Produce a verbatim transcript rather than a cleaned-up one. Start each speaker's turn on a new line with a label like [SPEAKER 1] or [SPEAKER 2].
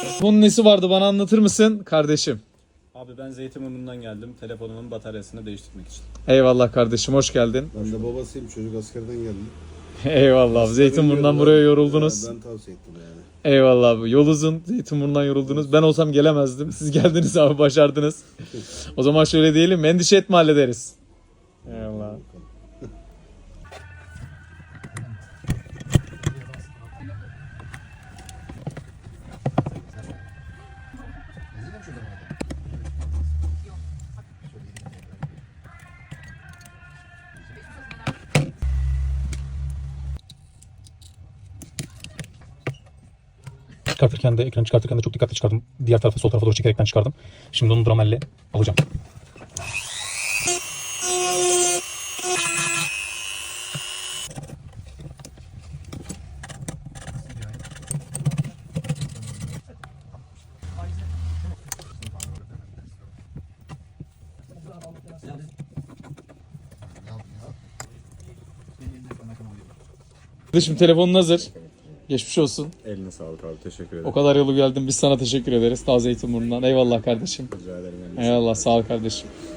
[SPEAKER 1] Bunun nesi vardı, bana anlatır mısın kardeşim?
[SPEAKER 2] Abi ben Zeytinburnu'ndan geldim. Telefonumun bataryasını değiştirmek için.
[SPEAKER 1] Eyvallah kardeşim, hoş geldin.
[SPEAKER 3] Ben de babasıyım, çocuk askerden geldim.
[SPEAKER 1] Eyvallah abi. Zeytinburnu'ndan buraya yoruldunuz.
[SPEAKER 3] Ben tavsiye ettim yani.
[SPEAKER 1] Eyvallah abi. Yol uzun. Zeytinburnu'ndan yoruldunuz. Ben olsam gelemezdim. Siz geldiniz abi, başardınız. O zaman şöyle diyelim, endişe etme, hallederiz. Eyvallah.
[SPEAKER 4] Çıkartırken de, ekranı çıkartırken de çok dikkatli çıkardım. Diğer tarafa, sol tarafa doğru çekerekten çıkardım. Şimdi onu dramelle alacağım.
[SPEAKER 1] Kardeşim, telefonun hazır. Geçmiş olsun.
[SPEAKER 2] Eline sağlık abi. Teşekkür ederim.
[SPEAKER 1] O kadar yolu geldin. Biz sana teşekkür ederiz. Taze Zeytinburnu'ndan. Eyvallah kardeşim.
[SPEAKER 2] Rica ederim.
[SPEAKER 1] Eyvallah, sağ ol kardeşim.